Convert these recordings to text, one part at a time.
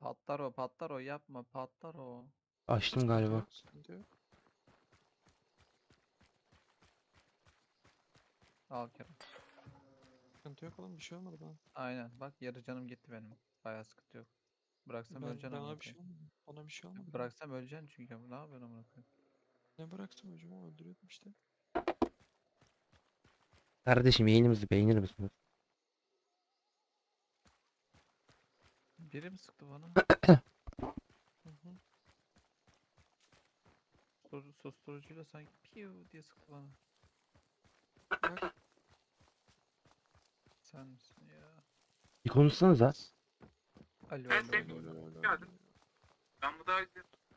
Patlar o yapma patlar o. Açtım Sıkıntı galiba. yok, sıkıntı yok. Al Kerem. Sıkıntı yok oğlum, bir şey olmadı bana. Aynen bak yarı canım gitti benim. Bayağı sıkıntı yok. Bıraksam öleceksin amına Bana bir koyayım. şey olmadı. Bana bir şey olmadı kanka. Bıraksam öleceksin çünkü ne yapıyorsun amına koyayım. Ne bıraktım hocam, ama öldürüyordum işte. Kardeşim yayınımızı beğenir misiniz? Biri mi sıktı bana? Hı hı. Susturucuyla sanki piu diye sıktı bana. Bak. Sen misin ya? Bir konuşsanıza. Alo Ben alo senin alo alo. geldim. Ben bu daha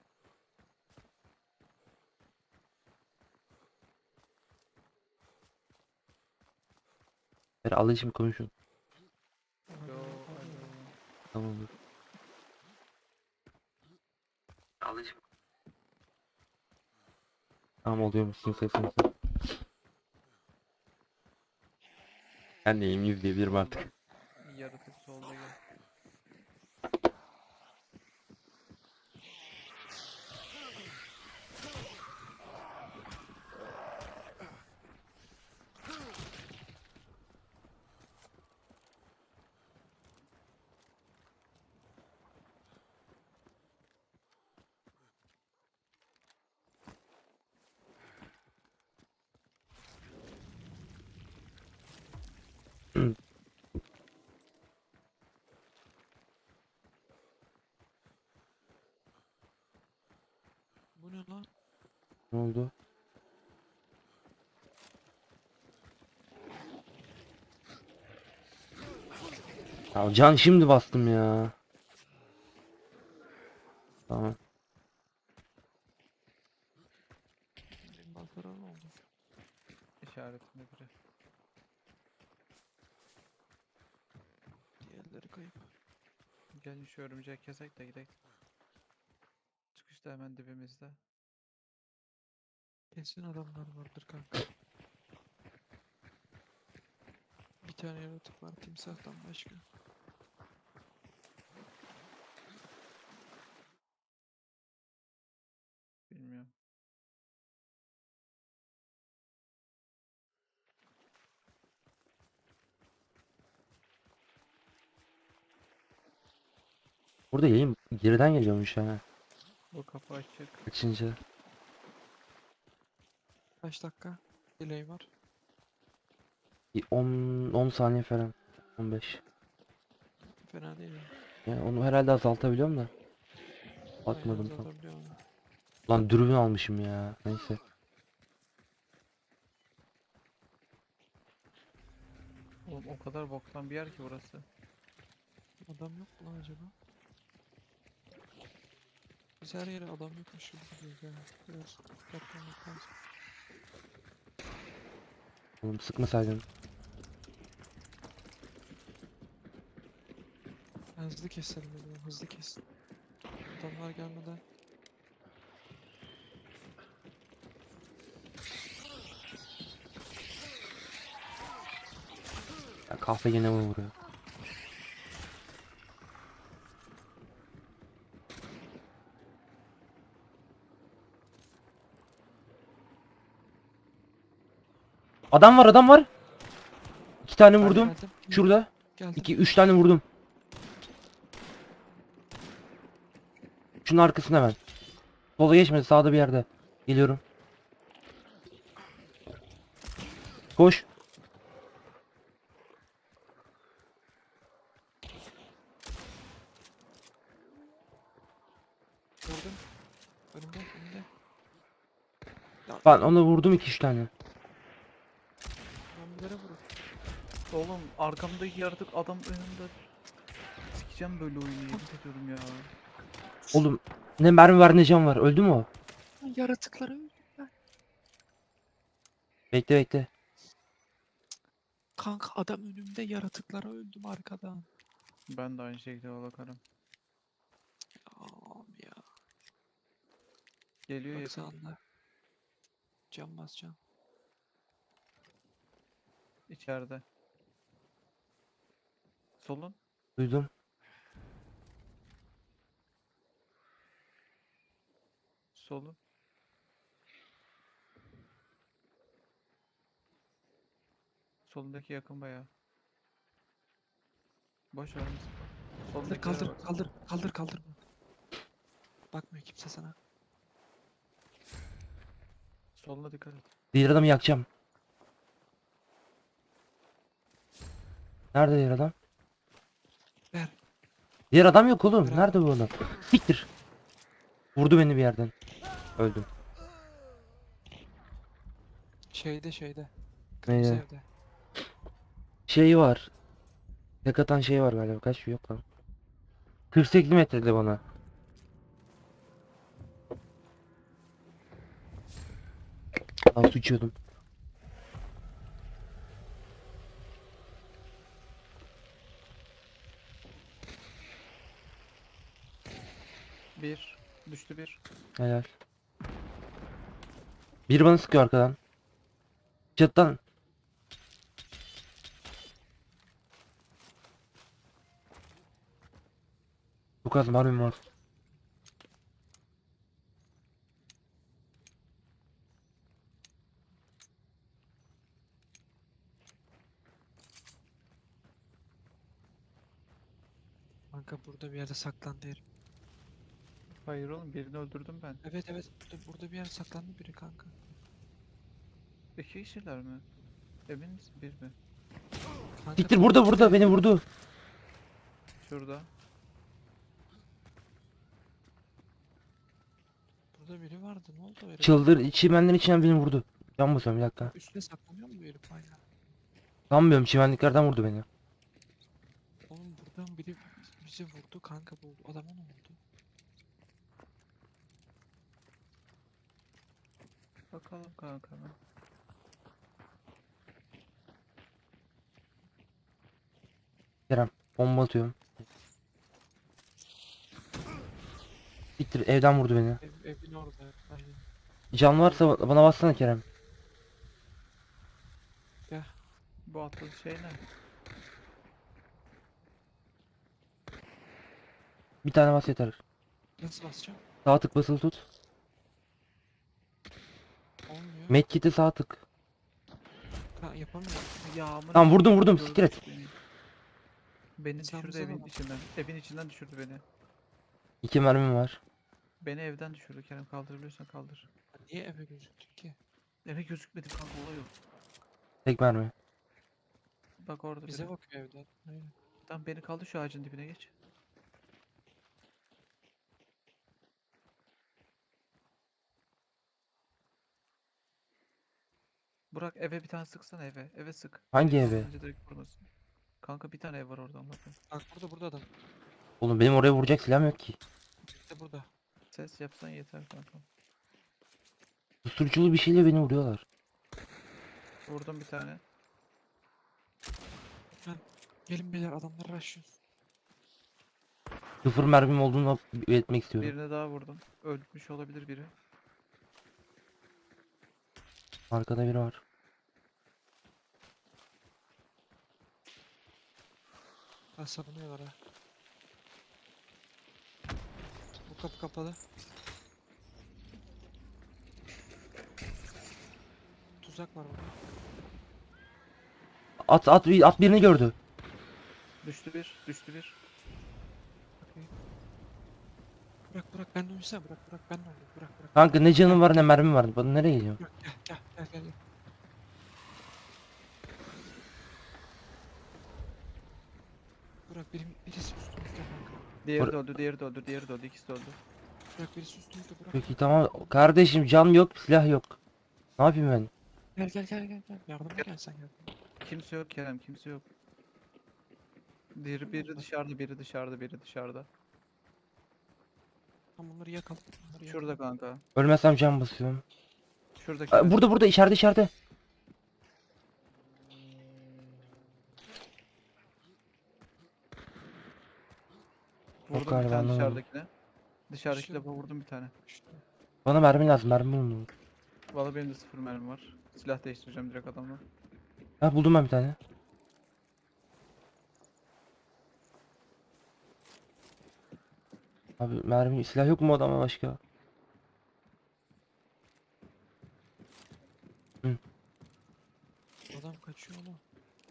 Bir alıcım konuşun. Alo alo. Tamamdır. Alıcım. Tamam oluyor musun sesiniz? Ben de iyiyim izleyebilirim artık. Solda. Yaratık solda gel. Bu ne lan? Ne oldu? Ya can şimdi bastım ya. Tamam. Benim baltara ne oldu? İşaretinde biri. Diğerleri kayıp. Gelin şu örümceği kesek de gidelim. Çıkışta hemen dibimizde. Kesin adamlar vardır kanka. Bir tane yaratık var timsahtan başka. Bilmiyorum. Burada yayın geriden geliyormuş ha. Bu kapı açık. Kaçıncı? Kaç dakika? Delay var. Bir 10 saniye falan. 15. Fena değil ya. Yani onu herhalde azaltabiliyorum da. Aynen Bakmadım tam. uzatabiliyor onu. Lan dürbün almışım ya. Neyse. Oğlum o kadar boktan bir yer ki burası. Adam yok mu lan acaba? Biz her yere adam yokmuş gibi gidiyoruz ya. Biraz dikkatli olmak lazım. Oğlum sıkmasaydın. Ben hızlı keselim dedim. Hızlı kes. Adamlar gelmeden. Ya kahve gene mi vuruyor? Adam var adam var. 2 tane Hani? vurdum. Geldim. Şurada. Geldim. 2-3 tane vurdum. Şunun arkasına hemen. Sola geçmedi sağda bir yerde. Geliyorum. Koş. Vurdum. Önümde. Önümde. Ya Ben ona vurdum 2-3 tane. zombilere vurur. Oğlum arkamdaki yaratık adam önümde. Sikeceğim böyle oyunu yemin ediyorum ya. Oğlum ne mermi var ne can var. Öldü mü o? Yaratıkları öldüm ben. Bekle bekle. Kanka adam önümde, yaratıklara öldüm arkadan. Ben de aynı şekilde bakarım. Abi ya. Geliyor Bak yakın. sağında. Can bas can. İçeride. Solun. Duydum. Solu. Solundaki yakın bayağı. Boş ver misin? Kaldır kaldır kaldır kaldır kaldır. Bakmıyor kimse sana. Soluna dikkat et. Diğer adamı yakacağım. Nerede diğer adam? Ver. Diğer adam yok oğlum. Ver Nerede bu adam? Siktir. Vurdu beni bir yerden. Öldüm. Şeyde. Kırmızı Neydi? evde. Şey var. Tek atan şey var galiba. Kaç yok lan. 48 metrede bana. Lan su içiyordum. Bir. Düştü bir. Helal. Bir bana sıkıyor arkadan. Çatıdan. Bu az mermim var. Kanka burada bir yerde saklandı herif. Hayır oğlum, birini öldürdüm ben. Evet burada bir yerde saklandı biri kanka. İki kişiler mi? Emin misin? Bir mi? Kanka Siktir burada beni vurdu. Şurada. burada biri vardı ne oldu o herif? Çıldır çimenlerin içinden beni vurdu. Can basıyorum bir dakika. Üstüne saklanıyor mu bu herif hala? Sanmıyorum, çimenliklerden vurdu beni. Oğlum buradan biri bizi vurdu kanka, bu adama ne oldu? Bakalım kanka. Kerem bomba atıyorum. Siktir, evden vurdu beni. Evin orada. Aynen. Can varsa bana bassana Kerem. Bu attığın şey ne? Bir tane bas yeter. Nasıl basacağım? Sağ tık basılı tut. Olmuyor. Medkit'e sağ tık. Yapamıyorum. Ya amına Tamam, vurdum, koyayım, vurdum, gördü siktir et. beni. Beni Sen düşürdü bize evin bak. içinden. Evin içinden düşürdü beni. 2 mermim var. Beni evden düşürdü Kerem, kaldırabiliyorsan kaldır. Niye eve gözüktük ki? Eve gözükmedim kanka, olay yok. Tek mermi. Bak orada Bize biri. bakıyor evden. Aynen. Tamam, beni kaldır, şu ağacın dibine geç. Burak, eve bir tane sıksana eve. Eve sık. Hangi Beni eve? kaldırınca direkt vurmasın. Kanka bir tane ev var orada, bakın. Bak burada adam. Oğlum benim oraya vuracak silahım yok ki. İşte burada. Ses yapsan yeter kanka. Susturuculu bir şeyle beni vuruyorlar. Vurdum bir tane. Gelin beyler, adamları rushlıyoruz. 0 mermim olduğunu belirtmek istiyorum. Birine daha vurdum. Ölmüş olabilir biri. Arkada biri var. Ha, savunuyorlar ha. Bu kapı kapalı. Tuzak var burada. At birini gördü. Düştü bir. Düştü bir. Okey. Bırak ben de oynasana, bırak ben de oynayayım, bırak. Kanka ne canım var ne mermim var. Bana nereye gidiyor? Bırak gel. Bırak birisi üstümüzde kanka. Diğeri de öldü, diğeri de öldü, diğeri de öldü. İkisi de öldü. Bırak birisi üstümüzde, bırak. Peki tamam. Kardeşim can yok, silah yok. Ne yapayım ben? Gel. Yardıma gel sen yardıma. Kimse yok Kerem, kimse yok. Biri dışarıda, biri dışarıda, biri dışarıda. Tamam, bunları yakalım. Şurada kanka. Ölmezsem can basıyorum. Şurada Aa, burada içeride. Vurdum bir galiba, tane anlamadım. dışarıdakine. Dışarıdakine Düşüyor. vurdum bir tane. İşte. Bana mermi lazım, mermi bulun. Valla benim de 0 mermi var. Silah değiştireceğim direkt adamla. Ha, buldum ben bir tane. Abi mermi silah yok mu adama başka?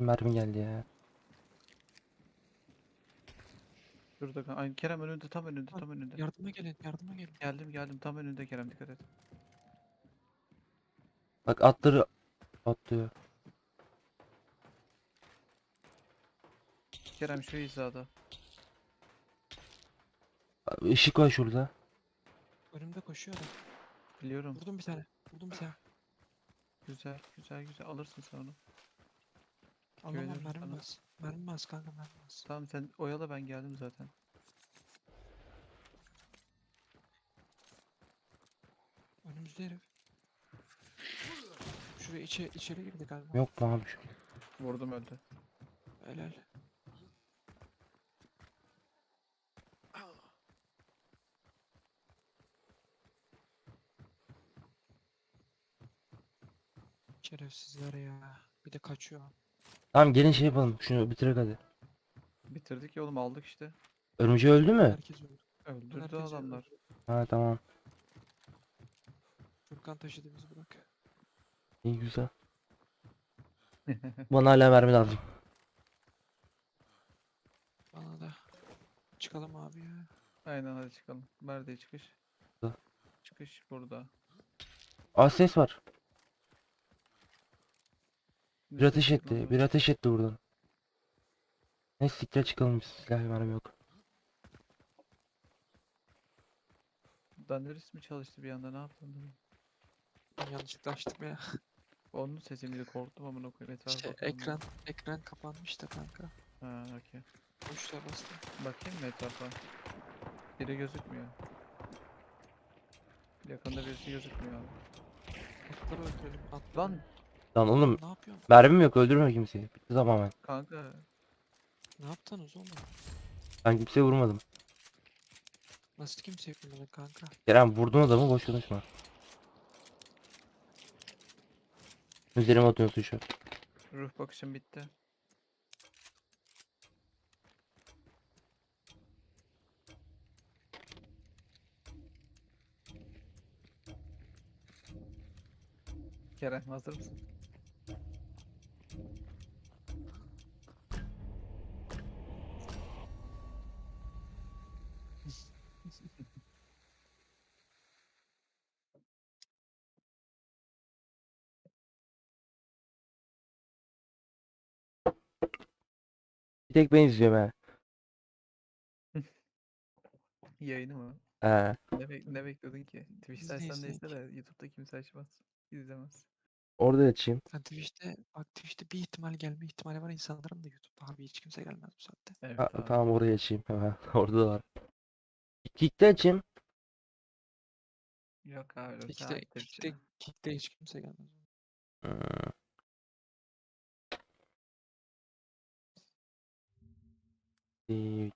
mermi geldi ya. Şurada Ay, Kerem önünde, tam önünde, Lan, tam önünde. yardıma gelin, yardıma gelin. Geldim tam önünde Kerem, dikkat et. Bak atları atlıyor. Kerem şu hizada. Işık var şurada. Önümde koşuyor adam. Biliyorum. Vurdum bir tane. Vurdum bir tane. Güzel alırsın sen onu. Alamam, Güveniyorum mermi sana. bas. Mermi bas kanka, mermi bas. Tamam sen oyala, ben geldim zaten. Önümüzde herif. Şuraya içeri girdi galiba. Yok mu abi şu? Vurdum, öldü. Helal. Şerefsizler ya. Bir de kaçıyor. Tamam gelin şey yapalım. Şunu bitirek hadi. Bitirdik ya oğlum, aldık işte. Örümcek öldü mü? Herkes öldü. Öldürdü Herkes adamlar. öldü. Ha tamam. Furkan taşıdı bizi, bırak. İyi güzel. Bana hala mermi lazım. Bana da. Çıkalım abi ya. Aynen, hadi çıkalım. Nerede çıkış? Burada. Çıkış burada. Aa ses var. Ne Bir ateş sesi lan etti. o? Bir ateş etti buradan. Neyse siktir çıkalım biz. Silah mermi yok. Danderis mi çalıştı bir anda, ne yaptın? Dur. Ben yanlışlıkla açtım ya. Onun sesi miydi, korktum amına koyayım, etrafa İşte bakıyorum ben. ekran kapanmış da kanka. Ha, okey. Tuşla bastım. Bakayım mı etrafa? Biri gözükmüyor. Yakında birisi gözükmüyor abi. Atları öldürelim, atları. Lan Lan oğlum Ne yapıyorsun? mermim yok, öldürme kimseyi. Bitti tamamen. kanka, Ne yaptınız oğlum? Ben kimseye vurmadım. Nasıl kimse yapmadı kanka? Kerem vurdun adamı, boş konuşma. Üzerime atıyorsun şu. ruh bakışım bitti. Kerem hazır mısın? Bir tek ben izliyorum ha. Yayını mı? He. Ne bekledin ki? Biz de Twitch'te neyse izleyek. de YouTube'da kimse açmaz. İzlemez. Orada açayım. Sen Twitch'te, bak Twitch'te bir ihtimal gelme ihtimali var insanların da YouTube'da abi hiç kimse gelmez bu saatte. Evet Ha, abi. tamam oraya açayım. Ha, orada da var. Kick'te açayım. Yok abi, öyle Kick'te, saatte bir şey. Kick'te hiç kimse gelmez. Hmm. İyi.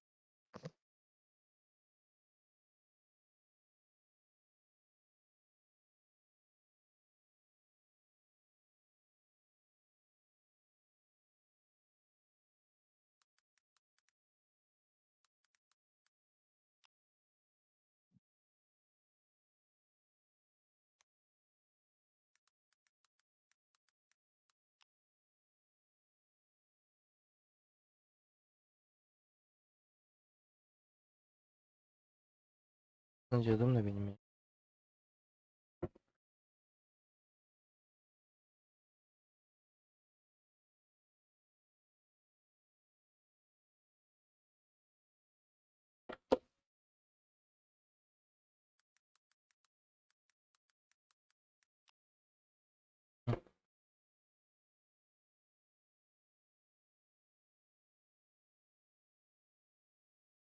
Canım da benim ya.